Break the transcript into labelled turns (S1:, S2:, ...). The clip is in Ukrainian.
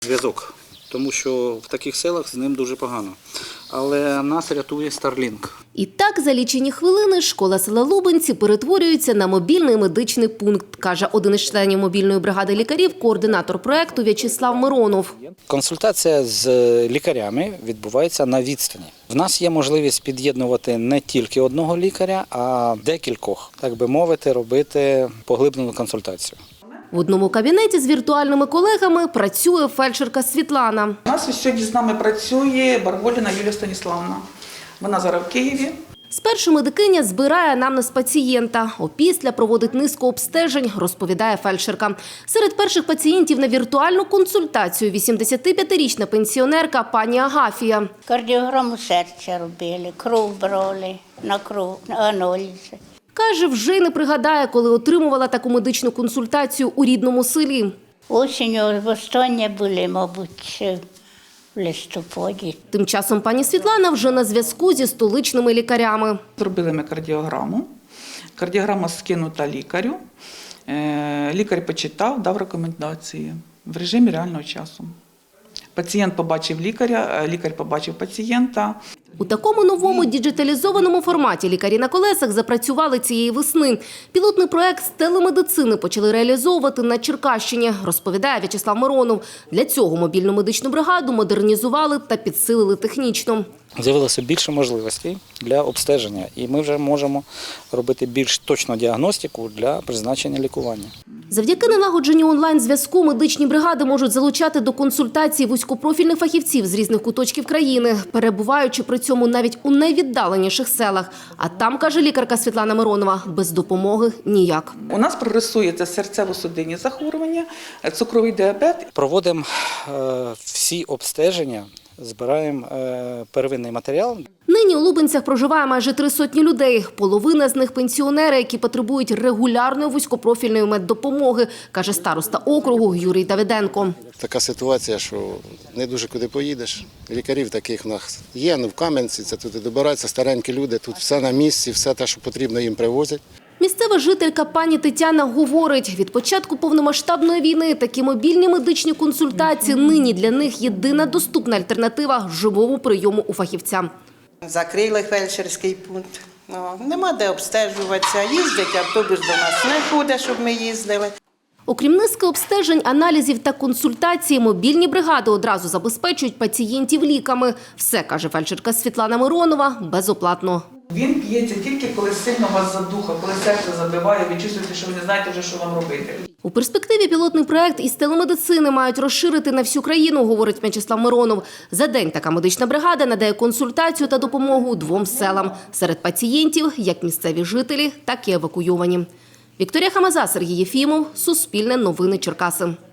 S1: Зв'язок, тому що в таких селах з ним дуже погано. Але нас рятує Starlink.
S2: І так за лічені хвилини школа села Лубенці перетворюється на мобільний медичний пункт, каже один із членів мобільної бригади лікарів, координатор проєкту В'ячеслав Миронов.
S1: Консультація з лікарями відбувається на відстані. В нас є можливість під'єднувати не тільки одного лікаря, а декількох, так би мовити, робити поглиблену консультацію.
S2: В одному кабінеті з віртуальними колегами працює фельдшерка Світлана.
S3: У нас сьогодні з нами працює Барболіна Юлія Станіславівна. Вона зараз в Києві.
S2: Спершу медикиня збирає анамнез пацієнта, опісля проводить низку обстежень, розповідає фельдшерка. Серед перших пацієнтів на віртуальну консультацію 85-річна пенсіонерка пані Агафія.
S4: Кардіограму серця робили, кров брали, на кров, на аналізи.
S2: Каже, вже й не пригадає, коли отримувала таку медичну консультацію у рідному селі.
S4: Осінню востаннє були, мабуть, в листопаді.
S2: Тим часом пані Світлана вже на зв'язку зі столичними лікарями.
S3: Зробили ми кардіограму. Кардіограма скинута лікарю. Лікар почитав, дав рекомендації в режимі реального часу. Пацієнт побачив лікаря, лікар побачив пацієнта.
S2: У такому новому діджиталізованому форматі лікарі на колесах запрацювали цієї весни. Пілотний проект з телемедицини почали реалізовувати на Черкащині, розповідає В'ячеслав Миронов. Для цього мобільну медичну бригаду модернізували та підсилили технічно.
S1: З'явилося більше можливостей для обстеження, і ми вже можемо робити більш точну діагностику для призначення лікування.
S2: Завдяки налагодженню онлайн-зв'язку медичні бригади можуть залучати до консультацій вузькопрофільних фахівців з різних куточків країни, перебуваючи при цьому навіть у найвіддаленіших селах. А там, каже лікарка Світлана Миронова, без допомоги ніяк.
S3: У нас прогресує це серцево-судинні захворювання, цукровий діабет.
S1: Проводимо всі обстеження, збираємо первинний матеріал.
S2: Нині у Лубенцях проживає майже 300 людей. Половина з них – пенсіонери, які потребують регулярної вузькопрофільної меддопомоги, каже староста округу Юрій Давиденко.
S5: Така ситуація, що не дуже куди поїдеш. Лікарів таких в нас є, в Кам'янці, це туди добираються старенькі люди, тут все на місці, все те, що потрібно, їм привозять.
S2: Місцева жителька пані Тетяна говорить, від початку повномасштабної війни такі мобільні медичні консультації нині для них єдина доступна альтернатива живому прийому у фахівця.
S6: Закрили фельдшерський пункт. Нема де обстежуватися. Їздять, автобус до нас не ходить, щоб ми їздили.
S2: Окрім низки обстежень, аналізів та консультацій, мобільні бригади одразу забезпечують пацієнтів ліками. Все, каже фельдшерка Світлана Миронова, безоплатно.
S3: Він п'ється тільки, коли сильно вас задуха, коли серце забиває, ви чувствуєте, що ви не знаєте вже, що вам робити.
S2: У перспективі пілотний проект із телемедицини мають розширити на всю країну, говорить В'ячеслав Миронов. За день така медична бригада надає консультацію та допомогу 2 селам. Серед пацієнтів як місцеві жителі, так і евакуйовані. Вікторія Хамаза, Сергій Єфімов, Суспільне новини Черкаси.